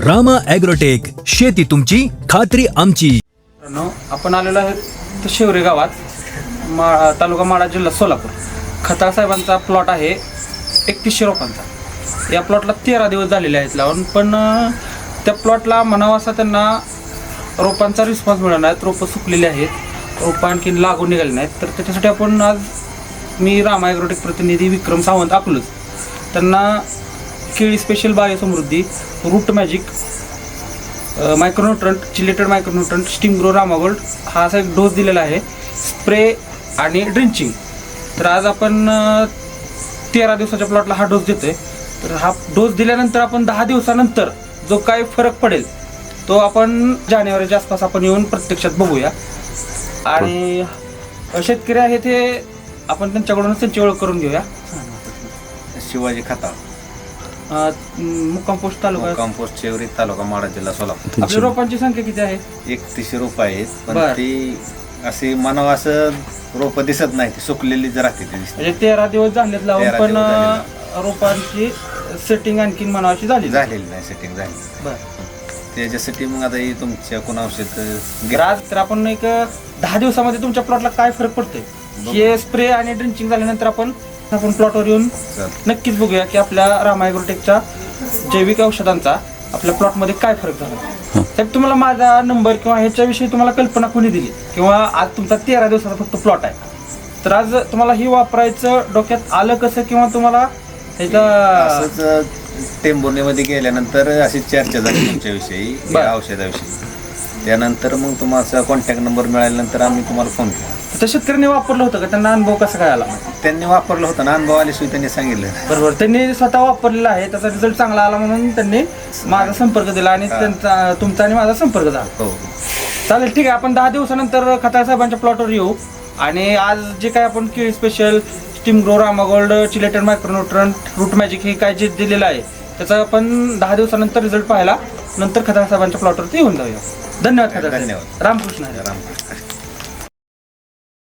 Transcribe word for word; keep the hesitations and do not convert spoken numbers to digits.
Rama agrotech, शेती तुमची खात्री आमची. मित्रांनो, आपण आलेलो आहे तर शिवरे गावात, मा तालुका माढा, जिल्हा सोलापूर. खताळ साहेबांचा प्लॉट आहे एकतीसशे रोपांचा. या प्लॉटला तेरा दिवस झालेले आहेत लावून, पण अं, त्या प्लॉटला म्हणावा असा त्यांना रोपांचा रिस्पॉन्स मिळाला नाही. रोपं सुकलेली आहेत, रोपं आणखी लागून निघाले नाहीत. तर त्याच्यासाठी आपण आज मी रामा ॲग्रोटेक प्रतिनिधी विक्रम सावंत अकलूज त्यांना केळी स्पेशल बायोसमृद्धी, root magic, micronutrient, chelated micronutrient, steam grow, Rama gold हा असा एक डोस दिलेला आहे, स्प्रे आणि ड्रिंचिंग. तर आज आपण अं, तेरा दिवसाच्या प्लॉटला हा डोस देतोय. तर हा डोस दिल्यानंतर आपण दहा दिवसानंतर जो काय फरक पडेल तो आपण जानेवारीच्या आसपास आपण येऊन प्रत्यक्षात बघूया. आणि शेतकरी आहे ते आपण त्यांच्याकडूनच त्यांची ओळख करून घेऊया. शिवाजी खताळ, मुक्काम पोस्ट तालुका, कंपोस्ट शेवरी, तालुका माढा, जिल्हा सोलापूर. आपल्या रोपांची संख्या किती आहे? एकतीसशे रोप आहेत, पण बरं. ती अशी म्हणावं असं रोप दिसत नाही, ती सुकलेली जर राहते ती दिसते. म्हणजे तेरा दिवस झालेत लावून, तेरा पण दिवस झालेत. रोपांची सेटिंग आणखीन म्हणावाची झाली झालेली नाही, सेटिंग झाली. बरं. त्याच्यासाठी मग आता ही तुमच्या कोण औषध तर आज तर आपण एक दहा दिवसामध्ये तुमच्या प्लॉटला काय फरक पडतोय हे स्प्रे आणि ड्रिंचिंग झाल्यानंतर आपण आपण प्लॉटवर येऊन नक्कीच बघूया की आपल्या रामा ॲग्रोटेकच्या जैविक औषधांचा आपल्या प्लॉटमध्ये काय फरक झाला. साहेब, तुम्हाला माझा नंबर किंवा ह्याच्याविषयी तुम्हाला कल्पना कोणी दिली, किंवा आज तुमचा तेरा दिवसाचा फक्त प्लॉट आहे, तर आज तुम्हाला ही वापरायचं डोक्यात आलं कसं, किंवा तुम्हाला ह्याचा असंच टेंभुर्णीमध्ये गेल्यानंतर अशी चर्चा झाली तुमच्याविषयी, या औषधाविषयी. त्यानंतर मग तुम्हाला कॉन्टॅक्ट नंबर मिळाल्यानंतर आम्ही तुम्हाला फोन केला. तर शेतकऱ्यांनी वापरलं होतं का? त्यांना अनुभव कसा काय आला? त्यांनी वापरलं होतं ना, अनुभव आल्याशिवाय त्यांनी सांगितलं. बरोबर, त्यांनी स्वतः वापरलेला आहे, त्याचा रिझल्ट चांगला आला म्हणून त्यांनी माझा संपर्क दिला आणि त्यांचा तुमचा आणि माझा संपर्क झाला. हो, चालेल, ठीक आहे. आपण दहा दिवसानंतर खताळ साहेबांच्या प्लॉटवर येऊ आणि आज जे काय आपण केळी special, steam grow, Rama gold, chelated micronutrient, root magic हे काय जे दिलेलं आहे त्याचा आपण दहा दिवसानंतर रिझल्ट पाहायला नंतर खताळ साहेबांच्या प्लॉटवरती येऊन जाऊया. धन्यवाद खताळ साहेब. धन्यवाद. रामकृष्ण हरी. रामकृष्ण.